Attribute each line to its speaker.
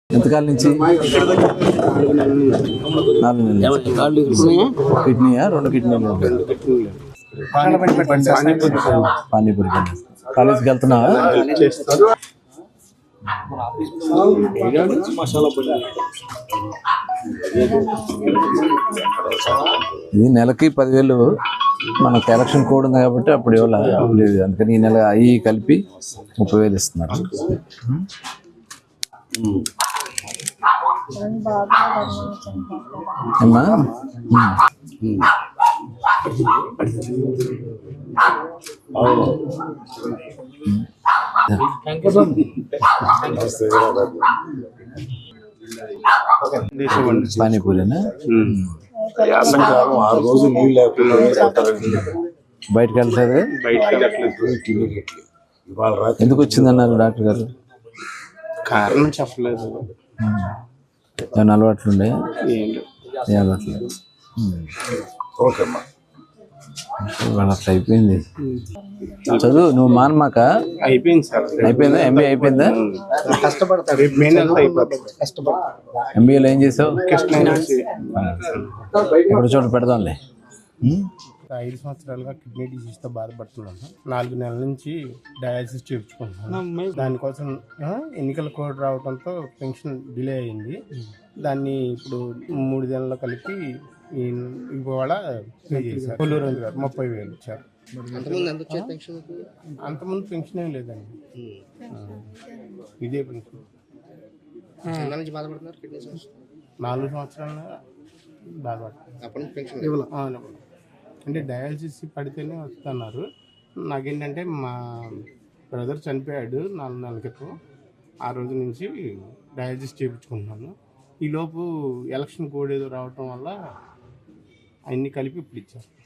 Speaker 1: ఎంతకాలం నుంచి? 4 నెలలు. కిడ్నీయా? 2 కిడ్నీలు. పానీపూరి. కాలేజీకి వెళ్తున్నావా? ఇది నెలకి 10,000. మనకు ఎలక్షన్ కోడ్ ఉంది కాబట్టి అప్పుడు ఇవ్వలేదు. అందుకని ఈ నెల అవి కలిపి 30,000 ఇస్తున్నారు. అమ్మా పానీపూరినా? బయటకు వెళ్ళలేదు. ఎందుకు వచ్చిందన్నారు డాక్టర్ గారు?
Speaker 2: కారణం చెప్పలేదు.
Speaker 1: ఏమైనా అలవాట్లుండే? ఏ అలవాట్లేదు. వాళ్ళ అయిపోయింది చదువు. నువ్వు మానమాక.
Speaker 2: అయిపోయింది సార్.
Speaker 1: అయిపోయిందా? ఎంబీఏ అయిపోయిందా?
Speaker 2: కష్టపడతాడు.
Speaker 1: ఎంబీఏలో ఏం చేసావు? ఎక్కడ చోట పెడదాంలే.
Speaker 2: 5 సంవత్సరాలుగా కిడ్నీ డిసీజ్తో బాధపడుతున్నాను. 4 నెలల నుంచి డయాలసిస్ చేయించుకుంటున్నాను. దానికోసం ఎన్నికల కోడ్ రావడంతో పెన్షన్ డిలే అయింది. దాన్ని ఇప్పుడు 3 నెలల్లో కలిపి ఇవాళ పే చేశారు. కొల్లూరు గారు 30,000 ఇచ్చారు. అంతకుముందు పెన్షన్ ఏం లేదండి. ఇదే పెన్షన్. 4 సంవత్సరాలుగా బాధపడుతున్నారు. అంటే డయాలసిస్ పడితేనే వస్తున్నారు. నాకేంటంటే మా బ్రదర్ చనిపోయాడు 4 నెలల క్రితం. ఆ రోజు నుంచి డయాలసిస్ చేయించుకుంటున్నాను. ఈలోపు ఎలక్షన్ కోడ్ ఏదో రావటం వల్ల అన్నీ కలిపి ఇప్పుడు ఇచ్చారు.